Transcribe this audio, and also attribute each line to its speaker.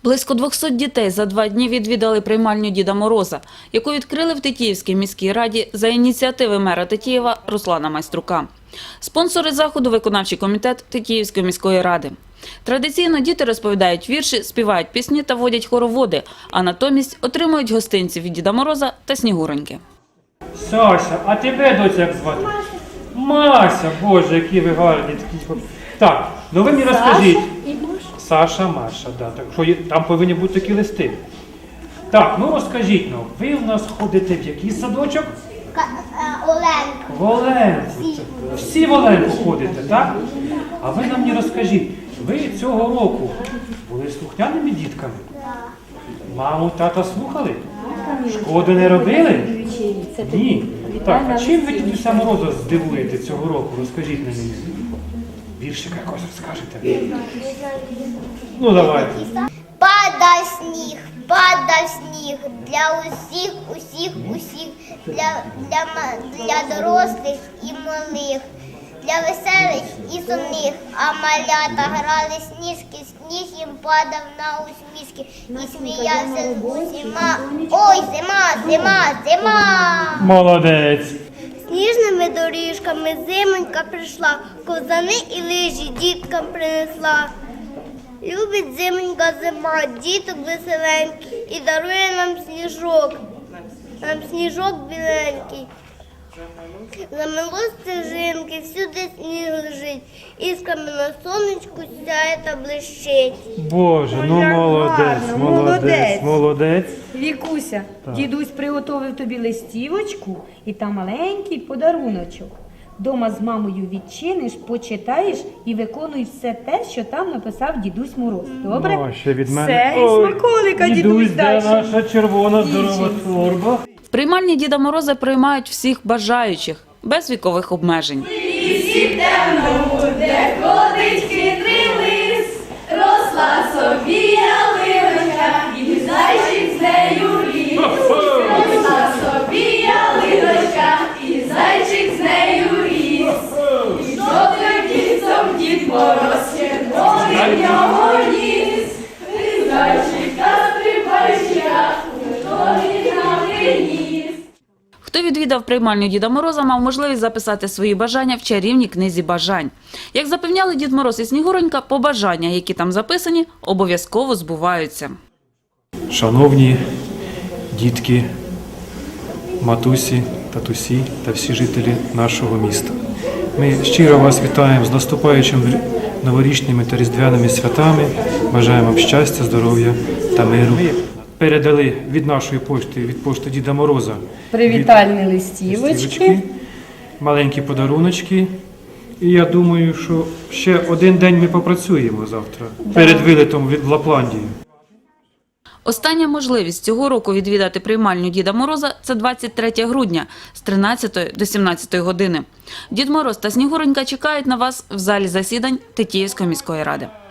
Speaker 1: Близько 200 дітей за 2 дні відвідали приймальню Діда Мороза, яку відкрили в Тетіївській міській раді за ініціативи мера Тетіїва Руслана Майструка. Спонсори заходу – виконавчий комітет Тетіївської міської ради. Традиційно діти розповідають вірші, співають пісні та водять хороводи, а натомість отримують гостинці від Діда Мороза та Снігуроньки.
Speaker 2: Саша, а тебе, доця, як звати? Мася, Боже, які ви гарні. Так, ну ви мені розкажіть. Саша, Маша, да, так що там повинні бути такі листи. Так, ну розкажіть, ну, ви у нас ходите в який садочок?
Speaker 3: Оленка.
Speaker 2: В Оленку. Всі в Оленку ходите, так? А ви нам мені розкажіть, ви цього року були слухняними дітками? Маму, тата слухали? Шкоди не робили? Ні. Так, а чим ви Дідуся Мороза здивуєте цього року? Розкажіть на мені. Віршика якось розкажете. Ну, давайте.
Speaker 3: Падав сніг для усіх, для дорослих і малих, для веселих і сумних, а малята грали сніжки, сніг їм падав на усмішки і сміявся з усіма. Ой, зима!
Speaker 2: Молодець.
Speaker 3: Сніжними доріжками зимонька прийшла, ковзани і лижі діткам принесла. Любить зимонька зима, діток веселенький, і дарує нам сніжок біленький. Замело стежинки, всюди сніг лежить, іскрами на сонечку сяє та блищить.
Speaker 2: Боже, ну молодець.
Speaker 4: Вікуся, дідусь приготовив тобі листівочку і там маленький подаруночок. Дома з мамою відчиниш, почитаєш і виконуй все те, що там написав дідусь Мороз. Добре?
Speaker 2: Ну, ще від мене.
Speaker 4: Все, і смаколика дідусь
Speaker 2: де
Speaker 4: дай.
Speaker 2: наша червона здорова торба?
Speaker 1: В приймальні Діда Мороза приймають всіх бажаючих, без вікових обмежень.
Speaker 5: Лісі темному, де ходить хитрий лис, росла собі ялиночка, і зайчик з нею ріс. Росла собі ялиночка, і зайчик з нею ріс. І жовтим кінцем Дід Мороз червоний в нього ніс. І зайчика стрибайчика, готовий на приніс.
Speaker 1: Хто відвідав приймальню Діда Мороза, мав можливість записати свої бажання в чарівній книзі бажань. Як запевняли Дід Мороз і Снігуронька, побажання, які там записані, обов'язково збуваються.
Speaker 2: Шановні дітки, матусі, татусі та всі жителі нашого міста. Ми щиро вас вітаємо з наступаючими новорічними та різдвяними святами. Бажаємо вам щастя, здоров'я та миру. Ми передали від нашої пошти, від пошти Діда Мороза,
Speaker 4: Привітальні листівочки.
Speaker 2: маленькі подаруночки. І я думаю, що ще один день ми попрацюємо завтра, перед вилетом в Лапландію.
Speaker 1: Остання можливість цього року відвідати приймальню Діда Мороза – це 23 грудня з 13 до 17 години. Дід Мороз та Снігуронька чекають на вас в залі засідань Тетіївської міської ради.